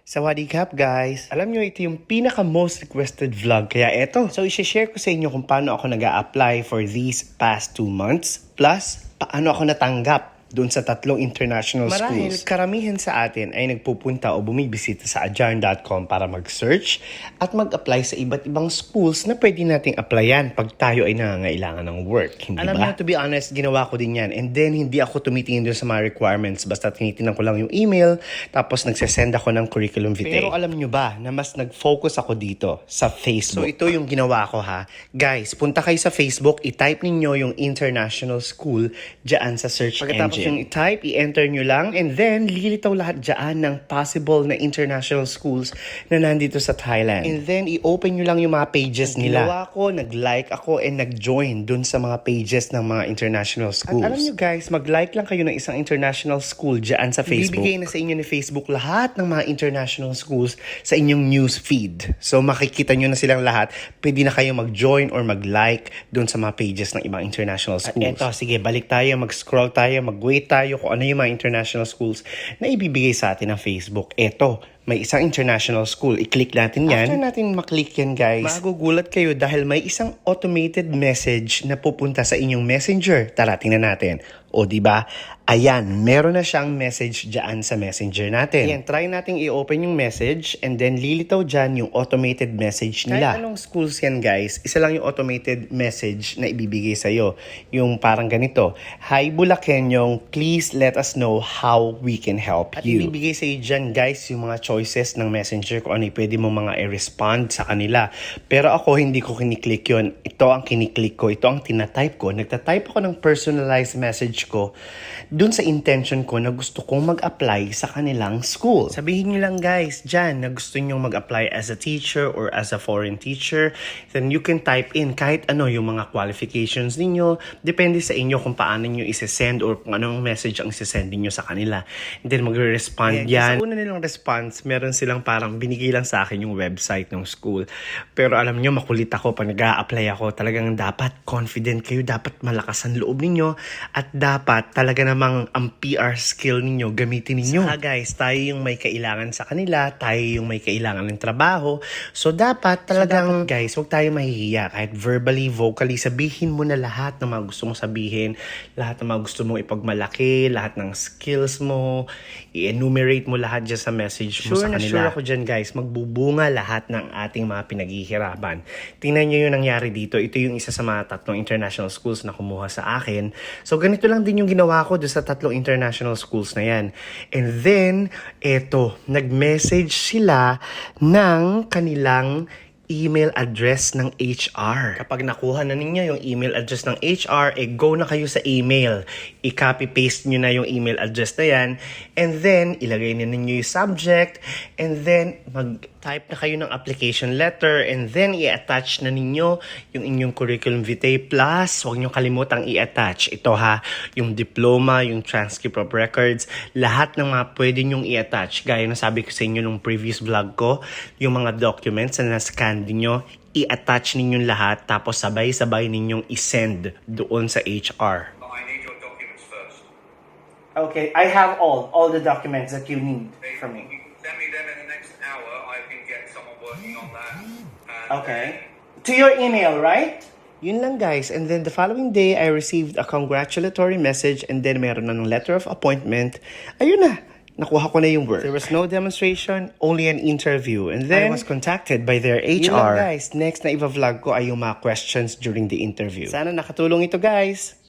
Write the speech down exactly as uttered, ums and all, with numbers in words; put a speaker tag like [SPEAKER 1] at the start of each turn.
[SPEAKER 1] Sawadee-kap guys! Alam nyo, ito yung pinaka-most requested vlog. Kaya eto, so isi-share ko sa inyo kung paano ako nag apply for these past two months. Plus, paano ako natanggap doon sa tatlong international
[SPEAKER 2] Marahil,
[SPEAKER 1] schools. Karamihan sa atin ay nagpupunta o bumibisita sa adjarn dot com para mag-search at mag-apply sa iba't ibang schools na pwede nating applyan pag tayo ay nangangailangan ng work. Hindi
[SPEAKER 2] Alam
[SPEAKER 1] ba?
[SPEAKER 2] niyo,
[SPEAKER 1] To be honest, ginawa ko din yan. And then, hindi ako tumitingin doon sa mga requirements. Basta tinitingnan ko lang yung email, tapos nagsasend ako ng curriculum vitae. Pero alam nyo ba na mas nag-focus ako dito sa Facebook? So, ito yung ginawa ko ha. Guys, punta kayo sa Facebook, i-type ninyo yung international school dyan sa search
[SPEAKER 2] Pagkatapos
[SPEAKER 1] engine. Yung i-type, i-enter nyo lang, and then lilitaw lahat dyan ng possible na international schools na nandito sa Thailand. And then, i-open nyo lang yung mga pages nila. Ginawa ko, nag-like ako, and nag-join dun sa mga pages ng mga international schools. At alam nyo guys, mag-like lang kayo ng isang international school dyan sa Facebook. Bibigay na sa inyo ni Facebook lahat ng mga international schools sa inyong news feed. So, makikita nyo na silang lahat. Pwede na kayo mag-join or mag-like dun sa mga pages ng ibang international schools. At eto, sige, balik tayo, mag-scroll tayo, mag-wait tayo kung ano yung mga international schools na ibibigay sa atin ng Facebook. Eto, may isang international school. I-click natin yan. After natin maklik yan, guys, magugulat kayo dahil may isang automated message na pupunta sa inyong messenger. Tara, tingnan natin. O, di ba? Ayan, meron na siyang message dyan sa messenger natin. Ayan, try nating i-open yung message and then lilitaw dyan yung automated message nila. Kahit anong schools yan, guys, isa lang yung automated message na ibibigay sa'yo. Yung parang ganito, Hi Bulakenyong, please let us know how we can help At you. At ibibigay sa'yo dyan, guys, yung mga choices ng messenger kung ano yung pwede mo mga i-respond sa kanila. Pero ako, hindi ko kiniklik yun. Ito ang kiniklik ko. Ito ang tinatype ko. Nagtatype ako ng personalized message ko dun sa intention ko na gusto kong mag-apply sa kanilang school. Sabihin nyo lang guys, dyan, na gusto nyo mag-apply as a teacher or as a foreign teacher, then you can type in kahit ano yung mga qualifications ninyo. Depende sa inyo kung paano nyo isi-send or kung anong message ang isi-send niyo sa kanila. And then magre-respond yan. Sa una nilang response, meron silang parang binigay lang sa akin yung website ng school. Pero alam nyo, makulit ako pag nag-a-apply ako. Talagang dapat confident kayo, dapat malakas ang loob ninyo, at dapat talaga namang ang P R skill ninyo gamitin ninyo. Saka guys, tayo yung may kailangan sa kanila, tayo yung may kailangan ng trabaho. So dapat talagang so, dapat, guys, huwag tayo mahihiya. Kahit verbally, vocally, sabihin mo na lahat ng mga gusto mong sabihin, lahat ng mga gusto mong ipagmalaki, lahat ng skills mo, i-enumerate mo lahat dyan sa message mo sure sa kanila. Sure na sure ako dyan guys, magbubunga lahat ng ating mga pinaghihirapan. Tingnan nyo yung nangyari dito. Ito yung isa sa mga tatlong international schools na kumuha sa akin. So ganito lang din yung ginawa ko doon sa tatlong international schools na yan. And then, eto, nag-message sila ng kanilang email address ng H R. Kapag nakuha na ninyo yung email address ng H R, eh go na kayo sa email. I-copy-paste nyo na yung email address na yan. And then, ilagay na ninyo yung subject. And then, mag-type na kayo ng application letter. And then, i-attach na ninyo yung inyong curriculum vitae. Plus, huwag nyo kalimutang i-attach. Ito ha, yung diploma, yung transcript of records, lahat ng mga pwede nyong i-attach. Gaya na sabi ko sa inyo nung previous vlog ko, yung mga documents na na-scan ninyo, i-attach ninyong lahat, tapos sabay-sabay ninyong i-send doon sa H R.
[SPEAKER 3] I need your documents first.
[SPEAKER 1] Okay, I have all, all the documents that you need
[SPEAKER 3] Hey,
[SPEAKER 1] from
[SPEAKER 3] you
[SPEAKER 1] me.
[SPEAKER 3] can send me them in the next hour. I can get someone working on that. And
[SPEAKER 1] Okay. To your email, right? Yun lang guys. And then the following day, I received a congratulatory message and then meron na ng letter of appointment. Ayun na. Nakuha ko na yung work. There was no demonstration, only an interview. And then, I was contacted by their H R. Yun lang guys. Next na iba-vlog ko ay yung mga questions during the interview. Sana nakatulong ito guys.